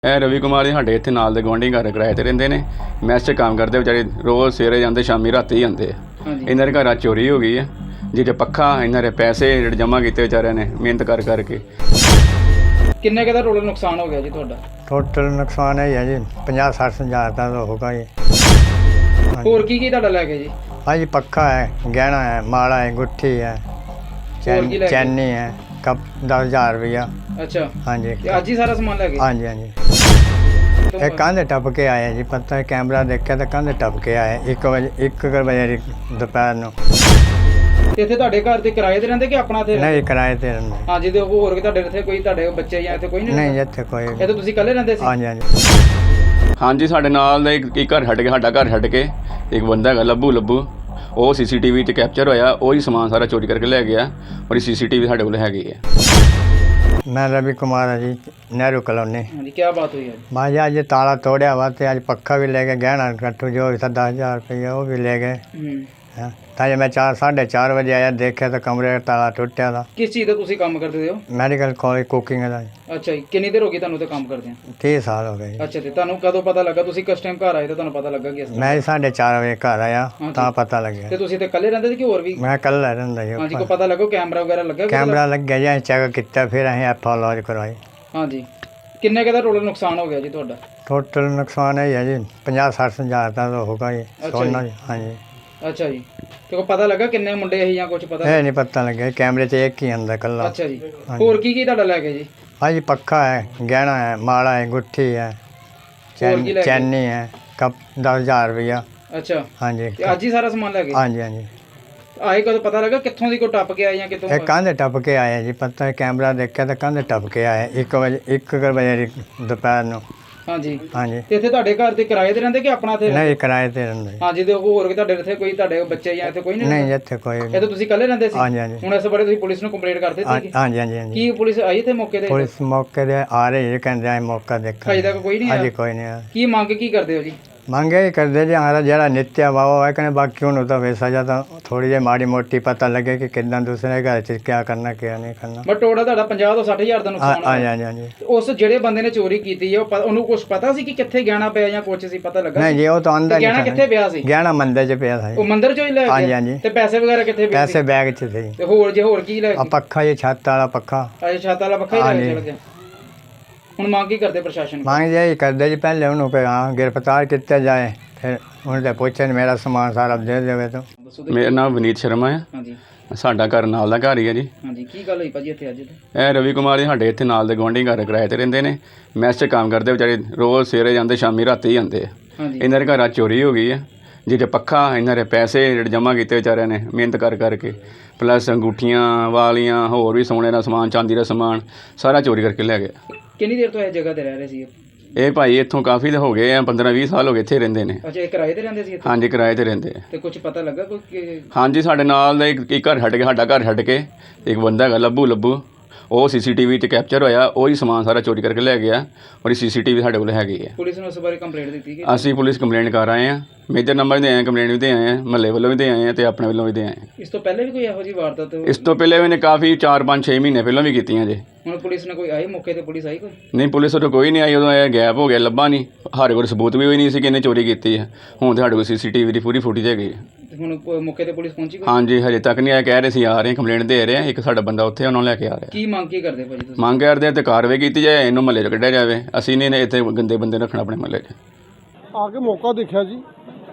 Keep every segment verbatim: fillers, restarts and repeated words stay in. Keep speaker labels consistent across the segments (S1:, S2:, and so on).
S1: ਇਹ ਰਵੀ ਕੁਮਾਰ ਜੀ ਸਾਡੇ ਇੱਥੇ ਨਾਲ ਦੇ ਗੁਆਂਢੀ ਘਰ ਕਿਰਾਏ 'ਤੇ ਰਹਿੰਦੇ ਨੇ। ਮੈਸ 'ਚ ਕੰਮ ਕਰਦੇ ਵਿਚਾਰੇ, ਰੋਜ਼ ਸਵੇਰੇ ਜਾਂਦੇ ਸ਼ਾਮੀ ਰਾਤੀ ਹੀ ਆਉਂਦੇ ਆ। ਇਹਨਾਂ ਦੇ ਘਰਾਂ ਚੋਰੀ ਹੋ ਗਈ ਹੈ, ਜਿਹਦੇ ਪੱਖਾ ਇਹਨਾਂ ਦੇ ਪੈਸੇ ਜਿਹੜੇ ਜਮ੍ਹਾਂ ਕੀਤੇ ਵਿਚਾਰਿਆਂ ਨੇ ਮਿਹਨਤ ਕਰ ਕਰਕੇ।
S2: ਕਿੰਨੇ ਕੁ ਦਾ ਟੋਟਲ ਨੁਕਸਾਨ ਹੋ ਗਿਆ ਜੀ ਤੁਹਾਡਾ?
S3: ਟੋਟਲ ਨੁਕਸਾਨ ਇਹ ਹੈ ਜੀ ਪੰਜਾਹ ਸੱਠ ਹਜ਼ਾਰ ਦਾ ਤਾਂ ਹੋਗਾ ਜੀ।
S2: ਹੋਰ ਕੀ ਕੀ ਤੁਹਾਡਾ ਲੈ ਗਏ ਜੀ?
S3: हाँ जी पक्का है, गहना है, माला है, गुट्ठी है, चैन चैनी है, कप दस हज़ार रुपया।
S2: अच्छा
S3: हाँ जी
S2: ਤੇ ਅੱਜ ਹੀ ਸਾਰਾ ਸਮਾਨ ਲੈ ਗਏ?
S3: हाँ जी हाँ जी ये कंध टप के आए जी, पता है कैमरा देखा तो कंध टप के आए एक बजे एक बजे दोपहर ਨੂੰ।
S2: ਤੇ ਇੱਥੇ ਤੁਹਾਡੇ ਘਰ ਤੇ ਕਿਰਾਏ ਤੇ ਰਹਿੰਦੇ ਕਿ ਆਪਣਾ ਤੇ?
S3: नहीं किराए ते रहंदे।
S2: ਹਾਂ ਜਿਹਦੇ ਹੋਰ ਕਿ ਤੁਹਾਡੇ ਇੱਥੇ ਕੋਈ ਤੁਹਾਡੇ ਬੱਚੇ ਜਾਂ ਇੱਥੇ ਕੋਈ ਨਹੀਂ?
S3: नहीं ਇੱਥੇ ਕੋਈ।
S2: ਇਹ ਤਾਂ ਤੁਸੀਂ ਇਕੱਲੇ ਰਹਿੰਦੇ ਸੀ?
S3: हाँ जी हाँ जी
S1: ਹਾਂਜੀ ਸਾਡੇ ਨਾਲ ਦਾ ਇੱਕ ਇੱਕ ਘਰ ਛੱਡ ਕੇ, ਸਾਡਾ ਘਰ ਛੱਡ ਕੇ ਇੱਕ ਬੰਦਾ ਹੈਗਾ ਲੱਭੂ ਲੱਭੂ, ਉਹ ਸੀ ਸੀ ਟੀ ਵੀ 'ਤੇ ਕੈਪਚਰ ਹੋਇਆ। ਉਹ ਹੀ ਸਮਾਨ ਸਾਰਾ ਚੋਰੀ ਕਰਕੇ ਲੈ ਗਿਆ ਔਰ ਸੀ ਸੀ ਟੀ ਵੀ ਸਾਡੇ ਕੋਲ ਹੈਗੀ ਹੈ।
S3: मैं रवि कुमार है जी, नेहरू कॉलोनी।
S2: हाँ जी, क्या बात हुई है?
S3: माँ जी आज ये ताला तोड़िया हुआ तो आज पक्का भी ले गए, गहना कट्टू जो भी था दस हज़ार रुपया वो भी ले गए। ताजे मैं चार साढ़े चार बजे आया, देखा तो कमरे का ताला टूटा था।
S2: किस चीज़ का तुसी काम करते हो?
S3: मैडिकल कॉलेज कुकिंग का।
S2: अच्छा जी, कितनी देर हो गई ਤੁਹਾਨੂੰ ਤੇ ਕੰਮ ਕਰਦੇ ਆ?
S3: तीस साल हो गए।
S2: ਅੱਛਾ ਤੇ ਤੁਹਾਨੂੰ ਕਦੋਂ ਪਤਾ ਲੱਗਾ? ਤੁਸੀਂ ਕਿਸ ਟਾਈਮ ਘਰ ਆਏ ਤੇ ਤੁਹਾਨੂੰ ਪਤਾ ਲੱਗਾ ਕਿ ਇਸ
S3: मैं साढ़े चार बजे घर आया ਤਾਂ पता लग
S2: ਤੇ
S3: गया।
S2: ਤੁਸੀਂ ਤੇ ਇਕੱਲੇ ਰਹਿੰਦੇ ਸੀ ਕਿ ਹੋਰ ਵੀ?
S3: मैं कल रहा जी।
S2: ਹਾਂਜੀ, ਕੋ ਪਤਾ ਲੱਗਾ ਕੈਮਰਾ ਵਗੈਰਾ ਲੱਗਾ?
S3: कैमरा लग गया जी, चेक किया, फिर अं एफ आई लॉज करवाई।
S2: ਹਾਂਜੀ, ਕਿੰਨੇ ਕੁ ਦਾ ਟੋਟਲ ਨੁਕਸਾਨ ਹੋ ਗਿਆ ਜੀ ਤੁਹਾਡਾ?
S3: टोटल नुकसान यही है जी ਪੰਜਾਹ ਸੱਠ हज़ार का तो होगा जी सोना जी। हाँ जी।
S2: ਅੱਛਾ ਜੀ, ਤੇ ਕੋ ਪਤਾ ਲੱਗਾ ਕਿੰਨੇ ਮੁੰਡੇ ਸੀ ਜਾਂ ਕੁਝ ਪਤਾ?
S3: ये नहीं पता लगे, कैमरे से एक ही अंदर कल।
S2: ਅੱਛਾ ਜੀ, ਹੋਰ ਕੀ ਕੀ ਤੁਹਾਡਾ ਲੈ ਗਏ ਜੀ?
S3: हाँ जी पक्का है, गहना है, माला है, गुट्ठी है, चैन चैनी है, कप दस हज़ार रुपया।
S2: ਅੱਛਾ
S3: हाँ जी
S2: ਤੇ ਅੱਜ ਹੀ ਸਾਰਾ ਸਮਾਨ ਲੈ ਗਏ?
S3: हाँ जी हाँ जी
S2: ਆਏ ਕਦੋਂ ਪਤਾ ਲੱਗਾ ਕਿੱਥੋਂ ਦੀ ਕੋ ਟੱਪ ਕੇ ਆਏ ਜਾਂ ਕਿਤੋਂ?
S3: एक कंध टप के आए जी, पता है कैमरा देखा तो कंध टप के आए एक बजे एक बजे दोपहर ਨੂੰ।
S2: ਹਾਂਜੀ
S3: हाँ जी
S2: ਤੇ ਇੱਥੇ ਤੁਹਾਡੇ ਘਰ ਤੇ ਕਿਰਾਏ ਤੇ ਰਹਿੰਦੇ ਕਿ ਆਪਣਾ ਤੇ?
S3: नहीं किराए ते रहंदे।
S2: ਹਾਂ ਜਿਹਦੇ ਹੋਰ ਕਿ ਤੁਹਾਡੇ ਇੱਥੇ ਕੋਈ ਤੁਹਾਡੇ ਬੱਚੇ ਜਾਂ ਇੱਥੇ ਕੋਈ ਨਹੀਂ?
S3: नहीं ਇੱਥੇ ਕੋਈ।
S2: ਇਹ ਤਾਂ ਤੁਸੀਂ ਇਕੱਲੇ ਰਹਿੰਦੇ ਸੀ?
S3: हाँ जी हाँ जी
S2: ਹੁਣ ਇਸ ਬਾਰੇ ਤੁਸੀਂ ਪੁਲਿਸ ਨੂੰ ਕੰਪਲੇਂਟ ਕਰ ਦਿੱਤੀ?
S3: हाँ जी हाँ जी हाँ जी
S2: ਕੀ ਪੁਲਿਸ ਆਈ ਇੱਥੇ ਮੌਕੇ ਤੇ?
S3: पुलिस मौके ਤੇ आ रही है, कहते हैं मौका देखा।
S2: ਅਜੇ ਤੱਕ ਕੋਈ ਨਹੀਂ
S3: अजे
S2: ਆਇਆ?
S3: कोई नहीं आया।
S2: ਕੀ ਮੰਗ ਕੀ ਕਰਦੇ ਹੋ ਜੀ?
S3: ਮੰਗੇ ਹੀ ਕਰਦੇ ਜੀ ਹਮਾਰਾ ਜਿਹੜਾ ਨਿੱਤਿਆ ਵਾਵਾ ਹੈ ਕਹਿੰਦੇ, ਬਾਕੀ ਉਹਨੂੰ ਤਾਂ ਵੈਸਾ ਜਾਂ ਤਾਂ ਥੋੜੀ ਜਿਹੀ ਮਾੜੀ ਮੋਟੀ ਪਤਾ ਲੱਗੇ ਕਿ ਕਿੱਦਾਂ ਦੂਸਰੇ ਘਰ 'ਚ ਕੀ ਕਰਨਾ ਕੀ ਨਹੀਂ ਕਰਨਾ।
S2: ਬਟ ਟੋਟਲ ਤੁਹਾਡਾ ਪੰਜਾਹ ਤੋਂ ਸੱਠ ਹਜ਼ਾਰ ਦਾ
S3: ਹਾਂ
S2: ਨੁਕਸਾਨ
S3: ਹਾਂ
S2: ਹੋਇਆ।
S3: ਹਾਂ ਜੀ।
S2: ਉਸ ਜਿਹੜੇ ਬੰਦੇ ਨੇ ਚੋਰੀ ਕੀਤੀ ਹੈ ਉਹ ਪ- ਉਹਨੂੰ ਕੁਝ ਪਤਾ ਸੀ ਕਿ ਕਿੱਥੇ ਗਹਿਣਾ ਪਿਆ ਜਾਂ ਕੁਝ ਸੀ ਪਤਾ ਲੱਗਾ?
S3: ਨਹੀਂ ਜੀ ਉਹ ਤਾਂ ਅੰਦਰ
S2: ਤੇ ਗਹਿਣਾ ਕਿੱਥੇ ਪਿਆ ਸੀ?
S3: ਗਹਿਣਾ ਮੰਦਰ 'ਚ ਪਿਆ ਸੀ।
S2: ਉਹ ਮੰਦਿਰ ਚੋਂ ਹੀ ਲੈ
S3: ਹਾਂਜੀ,
S2: ਗਿਆ?
S3: ਹਾਂਜੀ।
S2: ਤੇ ਪੈਸੇ ਵਗੈਰਾ ਕਿੱਥੇ ਪਏ ਸੀ?
S3: ਪੈਸੇ ਬੈਗ 'ਚ ਸੀ।
S2: ਤੇ ਹੋਰ ਜੇ ਹੋਰ ਕੀ ਲੈ
S3: ਆ
S2: ਗਏ?
S3: ਪੱਖਾ ਜੀ, ਛੱਤ ਵਾਲਾ ਪੱਖਾ।
S2: ਅਜੇ ਛਾਤਾ ਵਾਲਾ ਪੱਖਾ ਹੀ ਲੈ ਕੇ
S3: ਹਾਂਜੀ।
S2: ਚਲ ਗਿਆ। ਹੁਣ ਮੰਗ ਕੀ ਕਰਦੇ ਪ੍ਰਸ਼ਾਸਨ?
S3: ਮੰਗ ਜੀ ਕਰਦੇ ਜੀ ਪਹਿਲੇ ਉਹਨੂੰ ਕਿ ਹਾਂ ਗ੍ਰਿਫਤਾਰ ਕੀਤਾ ਜਾਏ, ਫਿਰ ਉਹਨੂੰ ਤਾਂ ਪੁੱਛਣ ਮੇਰਾ ਸਮਾਨ ਸਾਰਾ ਦੇ ਦੇਵੇ ਤਾਂ।
S2: ਦੱਸੋ ਤੇ।
S1: ਮੇਰਾ ਨਾਮ ਵਿਨੀਤ ਸ਼ਰਮਾ ਹੈ,
S2: ਹਾਂਜੀ
S1: ਸਾਡਾ ਘਰ ਨਾਲ ਦਾ ਘਰ ਹੀ ਹੈ ਜੀ।
S2: ਹਾਂਜੀ, ਕੀ ਗੱਲ ਹੋਈ ਭਾਜੀ ਇੱਥੇ ਅੱਜ?
S1: ਇਹ ਰਵੀ ਕੁਮਾਰ ਜੀ ਸਾਡੇ ਇੱਥੇ ਨਾਲ ਦੇ ਗੁਆਂਢੀ ਘਰ ਕਿਰਾਏ 'ਤੇ ਰਹਿੰਦੇ ਨੇ। ਮੈਸ 'ਚ ਕੰਮ ਕਰਦੇ ਵਿਚਾਰੇ, ਰੋਜ਼ ਸਵੇਰੇ ਜਾਂਦੇ ਸ਼ਾਮੀ ਰਾਤੀ ਹੀ ਆਉਂਦੇ ਆ।
S2: ਹਾਂਜੀ
S1: ਇਹਨਾਂ ਦੇ ਘਰਾਂ ਚੋਰੀ ਹੋ ਗਈ ਹੈ, ਜਿਹਦੇ ਪੱਖਾ ਇਹਨਾਂ ਦੇ ਪੈਸੇ ਜਿਹੜੇ ਜਮ੍ਹਾਂ ਕੀਤੇ ਵਿਚਾਰਿਆਂ ਨੇ ਮਿਹਨਤ ਕਰ ਕਰਕੇ, ਪਲੱਸ ਅੰਗੂਠੀਆਂ ਵਾਲੀਆਂ, ਹੋਰ ਵੀ ਸੋਨੇ ਦਾ ਸਮਾਨ, ਚਾਂਦੀ ਦਾ ਸਮਾਨ ਸਾਰਾ ਚੋਰੀ ਕਰਕੇ ਲੈ ਗਿਆ।
S2: ਕਿੰਨੀ ਦੇਰ ਤੋਂ ਇਸ ਜਗ੍ਹਾ ਤੇ ਰਹਿ ਰਹੇ ਸੀ?
S1: ਇਹ ਭਾਈ ਇੱਥੋਂ ਕਾਫੀ ਦੇ ਹੋ ਗਏ ਆ, ਪੰਦਰਾਂ ਵੀਹ ਸਾਲ ਹੋ ਗਏ ਇੱਥੇ ਰਹਿੰਦੇ ਨੇ।
S2: ਅੱਛਾ, ਇਹ ਕਿਰਾਏ ਤੇ ਰਹਿੰਦੇ ਸੀ ਇੱਥੇ?
S1: ਹਾਂਜੀ ਕਿਰਾਏ 'ਤੇ ਰਹਿੰਦੇ ਆ।
S2: ਤੇ ਕੁਝ ਪਤਾ ਲੱਗਾ ਕੋਈ ਕਿ-
S1: ਹਾਂਜੀ ਸਾਡੇ ਨਾਲ ਦਾ ਇੱਕ ਇੱਕ ਘਰ ਛੱਡ ਕੇ, ਸਾਡਾ ਘਰ ਛੱਡ ਕੇ ਇੱਕ ਬੰਦਾ ਹੈਗਾ ਲੱਭੂ ਲੱਭੂ, ਉਹ ਸੀ ਸੀ ਟੀ ਵੀ 'ਤੇ ਕੈਪਚਰ ਹੋਇਆ। ਉਹ ਹੀ ਸਮਾਨ ਸਾਰਾ ਚੋਰੀ ਕਰਕੇ ਲੈ ਗਿਆ ਔਰ ਸੀ ਸੀ ਟੀ ਵੀ ਸਾਡੇ ਕੋਲ ਹੈਗੀ ਹੈ।
S2: ਪੁਲਿਸ ਨੂੰ ਉਸ ਬਾਰੇ ਕੰਪਲੇਂਟ ਦਿੱਤੀ ਕਿ?
S1: ਅਸੀਂ ਪੁਲਿਸ ਕੰਪਲੇਂਟ ਕਰ ਆਏ ਹਾਂ, ਮੇਜਰ ਨੰਬਰ ਦੇ ਆਏ ਹਾਂ, ਕੰਪਲੇਂਟ ਵੀ ਦੇ ਆਏ ਹਾਂ, ਮਹੱਲੇ ਵੱਲੋਂ ਵੀ ਦੇ ਆਏ ਹਾਂ ਅਤੇ ਆਪਣੇ ਵੱਲੋਂ ਵੀ ਦੇ ਆਏ ਹਾਂ।
S2: ਇਸ ਤੋਂ ਪਹਿਲੇ ਵੀ ਕੋਈ ਇਹੋ ਜਿਹੀ ਵਾਰਦਾਤ?
S1: ਇਸ ਤੋਂ ਪਹਿਲੇ ਵੀ ਨੇ ਕਾਫੀ ਚਾਰ ਪੰਜ ਛੇ ਮਹੀਨੇ ਪਹਿਲਾਂ ਵੀ ਕੀਤੀਆਂ ਜੇ।
S2: ਹੁਣ ਪੁਲਿਸ ਨੇ ਕੋਈ ਆਈ ਮੌਕੇ ਤੇ? ਪੁਲਿਸ ਆਈ ਕੋਈ?
S1: ਨਹੀਂ ਪੁਲਿਸ ਉਦੋਂ ਕੋਈ ਨਹੀਂ ਆਈ, ਉਦੋਂ ਇਹ ਗੈਪ ਹੋ ਗਿਆ, ਲੱਭਾ ਨਹੀਂ। ਸਾਡੇ ਕੋਲ ਸਬੂਤ ਵੀ ਹੋਈ ਨਹੀਂ ਸੀ ਕਿ ਇਹਨੇ ਚੋਰੀ ਕੀਤੀ ਹੈ। ਹੁਣ ਤਾਂ ਸਾਡੇ ਕੋਲ ਸੀ ਸੀ ਟੀ ਵੀ ਦੀ ਪੂਰੀ ਫੁਟੇਜ ਹੈਗੀ ਹੈ।
S2: ਤੇ ਹੁਣ ਪ- ਮੌਕੇ ਤੇ ਪੁਲਿਸ ਪਹੁੰਚੀ ਕੋਈ?
S1: ਹਾਂਜੀ ਹਜੇ ਤੱਕ ਨਹੀਂ ਆਇਆ, ਕਹਿ ਰਹੇ ਸੀ ਆ ਰਹੇ, ਕੰਪਲੇਂਟ ਦੇ ਰਹੇ ਆ। ਇੱਕ ਸਾਡਾ ਬੰਦਾ ਉੱਥੇ ਉਹਨਾਂ ਨੂੰ ਲੈ ਕੇ ਆ ਰਿਹਾ।
S2: ਕੀ ਮੰਗ ਕੀ ਕਰਦੇ ਭਾਜੀ ਤੁਸੀਂ?
S1: ਮੰਗ ਕਰਦੇ ਆ ਤੇ ਕਾਰਵਾਈ ਕੀਤੀ ਜਾਏ, ਇਹਨੂੰ ਮਹੱਲੇ 'ਚ ਕੱਢਿਆ ਜਾਵੇ। ਅਸੀਂ ਨਹੀਂ ਇੱਥੇ ਗੰਦੇ ਬੰਦੇ ਰੱਖਣਾ ਆਪਣੇ ਮਹੱਲੇ 'ਚ।
S4: ਆ ਕੇ ਮੌਕਾ ਦੇਖਿਆ ਜੀ,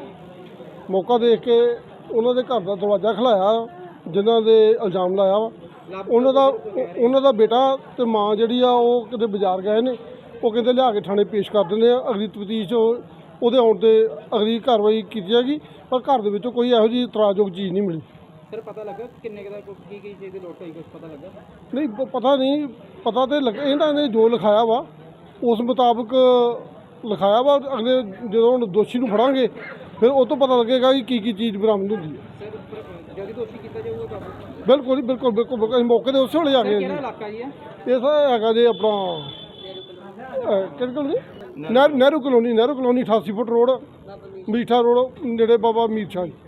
S4: ਮੌਕਾ ਦੇਖ ਕੇ ਉਹਨਾਂ ਦੇ ਘਰ ਦਾ ਦਰਵਾਜ਼ਾ ਖਲਾਇਆ, ਜਿਨ੍ਹਾਂ ਦੇ ਇਲਜ਼ਾਮ ਲਾਇਆ ਵਾ ਉਹਨਾਂ ਦਾ ਉਹਨਾਂ ਦਾ ਬੇਟਾ ਤੇ ਮਾਂ ਜਿਹੜੀ ਆ ਉਹ ਕਿਤੇ ਬਾਜ਼ਾਰ ਗਏ ਨੇ। ਉਹ ਕਹਿੰਦੇ ਲਿਆ ਕੇ ਥਾਣੇ ਪੇਸ਼ ਕਰ ਦਿੰਦੇ ਆ, ਅਗਲੀ ਤਫਤੀਸ਼ ਉਹਦੇ ਆਉਣ 'ਤੇ ਅਗਲੀ ਕਾਰਵਾਈ ਕੀਤੀ ਜਾਏਗੀ। ਪਰ ਘਰ ਦੇ ਵਿੱਚੋਂ ਕੋਈ ਇਹੋ ਜਿਹੀ ਇਤਰਾਜ਼ਯੋਗ ਚੀਜ਼ ਨਹੀਂ ਮਿਲੀ।
S2: ਸਰ ਪਤਾ ਲੱਗਾ ਕਿੰਨੇ ਕੁ ਦਾ ਕੀ ਕੀ ਚੀਜ਼ ਦੀ ਲੋਟ ਹੋਈ? ਕੁਝ ਪਤਾ ਲੱਗਾ?
S4: ਨਹੀਂ ਪ- ਪਤਾ ਨਹੀਂ, ਪਤਾ ਤੇ ਲੱਗ ਇਹਨਾਂ ਨੇ ਜੋ ਲਿਖਾਇਆ ਵਾ ਉਸ ਮੁਤਾਬਕ ਲਿਖਾਇਆ ਵਾ। ਅਗਲੇ ਜਦੋਂ ਹੁਣ ਦੋਸ਼ੀ ਨੂੰ ਫੜਾਂਗੇ ਫਿਰ ਉਹ ਤੋਂ ਪਤਾ ਲੱਗੇਗਾ ਕਿ ਕੀ ਕੀ ਚੀਜ਼ ਬਰਾਮਦ ਹੁੰਦੀ ਹੈ।
S2: ਸਰ ਜਲਦੀ ਦੋਸ਼ੀ ਕੀਤਾ ਜਾਊਗਾ ਕਾਬੂ?
S4: ਬਿਲਕੁਲ ਜੀ, ਬਿਲਕੁਲ ਬਿਲਕੁਲ ਬਿਲਕੁਲ। ਅਸੀਂ ਮੌਕੇ ਦੇ ਉਸੇ ਵੇਲੇ ਜਾ ਗਏ
S2: ਕਿਹੜਾ
S4: ਜੀ।
S2: ਇਲਾਕਾ ਜੀ ਹੈ?
S4: ਇਹ ਸਰ ਹੈਗਾ ਜੀ ਆਪਣਾ ਅਹ, ਕਿਹੜੀ colony? Nehru Nehru colony Nehru colony ਅਠਾਸੀ ਫੁੱਟ ਰੋਡ, ਮੀਠਾ ਰੋਡ, ਨੇੜੇ ਬਾਬਾ ਮੀਰ ਸ਼ਾਹ ਜੀ।